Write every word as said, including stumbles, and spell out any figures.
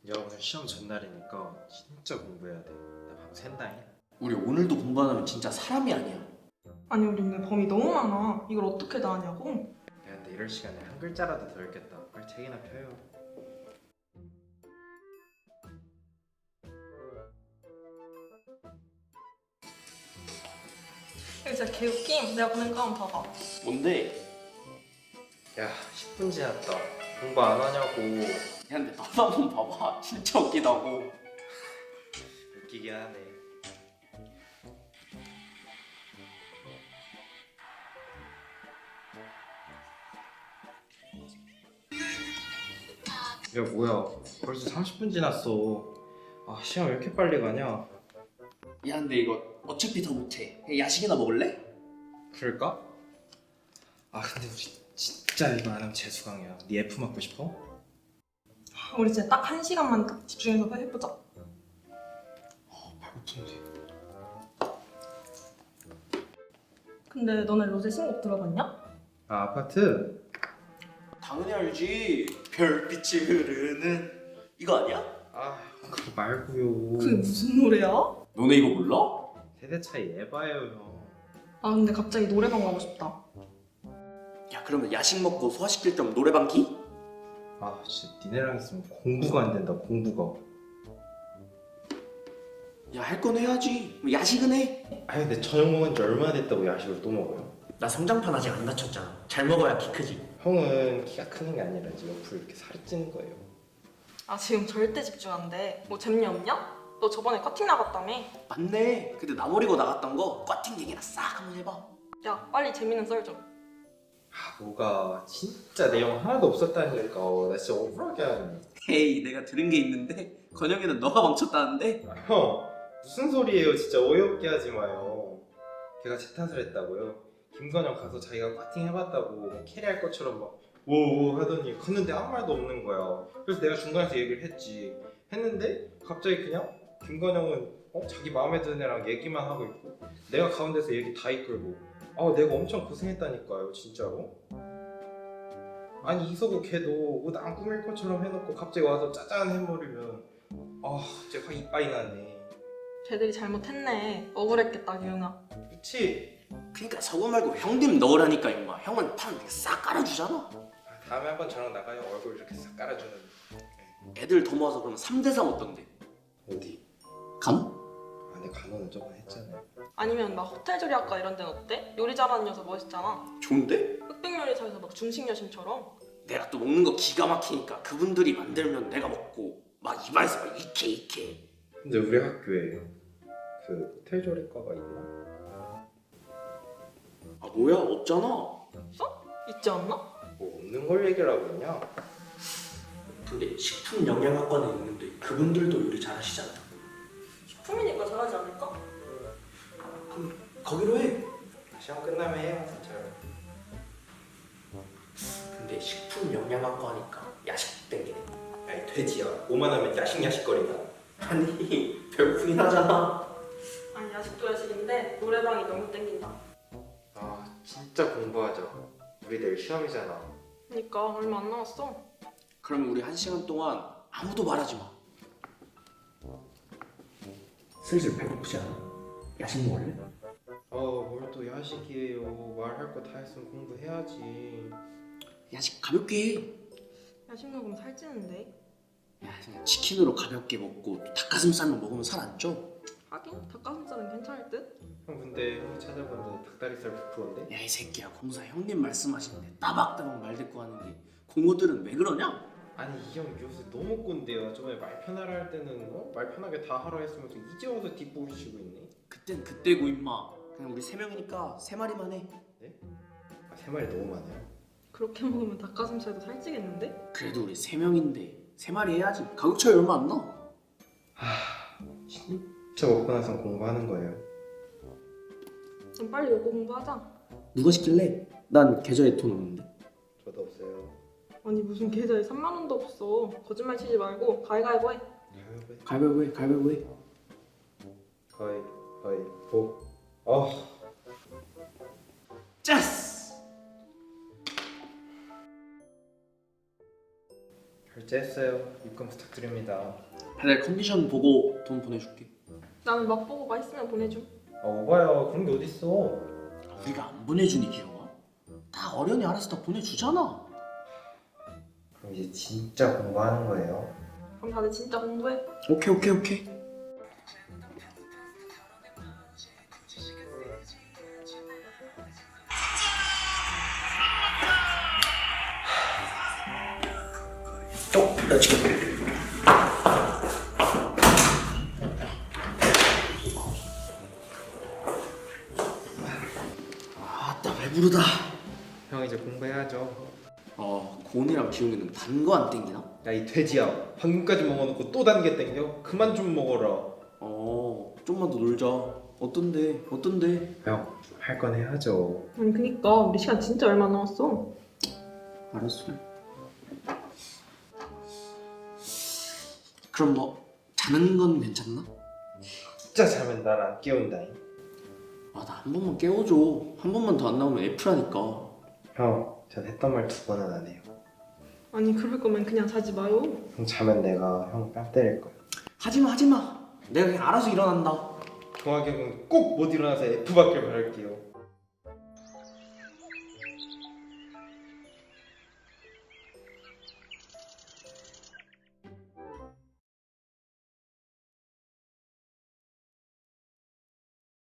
야 오늘 시험 전날이니까 진짜 공부해야 돼. 나 밤 샌다잉. 우리 오늘도 공부 안 하면 진짜 사람이 아니야. 아니 우리 오늘 범위 너무 많아. 이걸 어떻게 다 하냐고? 야 근데 이럴 시간에 한 글자라도 더 읽겠다. 빨리 책이나 펴요. 이거 진짜 개웃김. 내가 보낸 거 한번 봐봐. 뭔데? 야 십 분 지났다. 공부 안 하냐고. 야 근데 나도 한번 봐봐. 진짜 웃기다고. 웃기긴 하네. 야 뭐야 벌써 삼십 분 지났어. 아 시험 왜 이렇게 빨리 가냐. 야 근데 이거 어차피 더 못해. 그냥 야식이나 먹을래? 그럴까? 아 근데 우리 진짜 이거 안 하면 재수강이야. 네 F 맞고 싶어? 우리 진짜 딱 한 시간만 딱 집중해서 해보자. 배고픈데. 근데 너네 로제 신곡 들어봤냐? 아 아파트? 당연히 알지. 별빛이 흐르는 이거 아니야? 아 그거 말고요. 그게 무슨 노래야? 너네 이거 몰라? 세대 차이 에바예요 형. 아 근데 갑자기 노래방 가고 싶다. 야 그러면 야식 먹고 소화시킬 겸 노래방 기? 아 진짜 니네랑 있으면 공부가 안 된다 공부가. 야 할 건 해야지. 뭐 야식은 해. 아 근데 저녁 먹은 지 얼마나 됐다고 야식을 또 먹어요? 나 성장판 아직 안 다쳤잖아. 잘 먹어야 키 크지. 형은 키가 크는 게 아니라 지금 옆으로 이렇게 살이 찌는 거예요. 아 지금 절대 집중 안 돼. 뭐 재미 없냐? 너 저번에 커팅 나갔다며? 맞네. 근데 나 버리고 나갔던 거 꽈팅 얘기나 싹 한번 해봐. 야 빨리 재밌는 썰 좀. 아 뭐가 진짜 내용 하나도 없었다니까. 나 진짜 억울하게 하네. 헤이 내가 들은 게 있는데 건영이는 너가 멈췄다는데? 아, 형 무슨 소리예요 진짜 어이없게 하지 마요. 걔가 제 탓을 했다고요? 김건영 가서 자기가 꽈팅 해봤다고 뭐 캐리할 것처럼 막 오오 하더니 갔는데 아무 말도 없는 거야. 그래서 내가 중간에서 얘기를 했지. 했는데 갑자기 그냥 김건영은 어? 자기 마음에 드는 애랑 얘기만 하고 있고 내가 가운데서 얘기 다 이끌고 아 내가 엄청 고생했다니까요 진짜로. 아니 이서구 걔도 옷 안 꾸밀 것처럼 해놓고 갑자기 와서 짜잔 해버리면 아 진짜 확 이빠이 나네. 걔들이 잘못했네. 억울했겠다 기웅아. 그치? 그니까 서구 말고 형님 넣으라니까 임마. 형은 판 싹 깔아주잖아. 아, 다음에 한번 저랑 나가요. 얼굴 이렇게 싹 깔아주는. 애들 더 모아서 그러면 삼 대 삼 어떤데? 어디? 감? 아 근데 간호는 저번에 했잖아요. 아니면 막 호텔 조리학과 이런 데는 어때? 요리 잘하는 녀석 멋있잖아. 좋은데? 흑백 요리사에서 막 중식 여신처럼. 내가 또 먹는 거 기가 막히니까 그분들이 만들면 내가 먹고 막 입안에서 막 이케 이케. 근데 우리 학교에 그 호텔 조리과가 있나? 아 뭐야 없잖아. 없어? 있지 않나? 뭐 없는 걸 얘기라고 했냐? 근데 식품 영양학과는 있는데 그분들도 요리 잘하시지 않나? 식품이니까 잘하지 않을까? 그럼 거기로 해. 시험 끝나면 해요 진짜로. 근데 식품 영양학과니까 야식 땡기네. 야이 돼지야 오만 하면 야식 야식거리다. 아니 배고프긴 하잖아. 아니 야식도 야식인데 노래방이 너무 땡긴다. 아 진짜 공부하자. 우리 내일 시험이잖아. 그니까 얼마 안 남았어. 그러면 우리 한 시간 동안 아무도 말하지 마. 슬슬 배고프지 않아? 야식 먹을래? 아뭘 또 야식이에요. 말할 거 다 했으면 공부해야지. 야식 가볍게 해. 야식 먹으면 살찌는데. 야, 그냥 치킨으로 가볍게 먹고 또 닭가슴살만 먹으면 살 안 쪄. 하긴 닭가슴살은 괜찮을 듯? 형 근데 형이 찾아봤는데 닭다리살 백 퍼센트인데? 야 이 새끼야 공사 형님 말씀하시는데 따박따박 말 듣고 하는데 공호들은 왜 그러냐? 아니 이 형 요새 너무 꼰대요. 저번에 말 편하라 할 때는 어? 말 편하게 다 하라 했으면서 이제 와서 뒷부분 치고 있네. 그땐 그때고 임마. 그냥 우리 세 명이니까 세 마리만 해. 아, 세 마리 너무 많아요. 그렇게 먹으면 닭가슴살도 살찌겠는데? 그래도 우리 세 명인데 세 마리 해야지. 가격 차이 얼마 안 나. 진짜 먹고 나선 공부하는 거예요. 그럼 빨리 먹고 공부하자. 누가 시킬래? 난 계좌에 돈 없는데. 저도 없어요. 아니 무슨 계좌에 삼만 원도 없어. 거짓말 치지 말고 가위가위보 해. 가위바위보 해. 가위바위보 해 가위바위보 해. 가위바위보. 아 짜스! 결제했어요. 입금 부탁드립니다. 내 컨디션 보고 돈 보내줄게. 나는 맛보고 맛있으면 보내줘. 아 오바야 그런 게 어딨어. 우리가 안 보내주니 기영아? 다 어련히 알아서 다 보내주잖아. 그럼 이제 진짜 공부하는 거예요. 그럼 다들 진짜 공부해. 오케이 오케이 오케이. 어, 나 지금 아따 배부르다. 형 이제 공부해야죠. 어, 고은이랑 기용이는 단 거 안 땡기나? 야 이 돼지야 방금까지 먹어놓고 또 단 게 땡겨? 그만 좀 먹어라. 어, 좀만 더 놀자. 어떤데? 어떤데? 형 할 건 해야죠. 아니 그니까 우리 시간 진짜 얼마 남았어. 알았어. 그럼 뭐 자는 건 괜찮나? 진짜 자면 날 안 깨운다잉. 아, 나 한 번만 깨워줘. 한 번만 더 안 나오면 F라니까. 형, 전 했던 말 두 번은 안 해요. 아니 그럴 거면 그냥 자지 마요. 형 자면 내가 형 뺨 때릴 거야. 하지마 하지마. 내가 그냥 알아서 일어난다. 동학이 형은 꼭 못 일어나서 F 받길 바랄게요.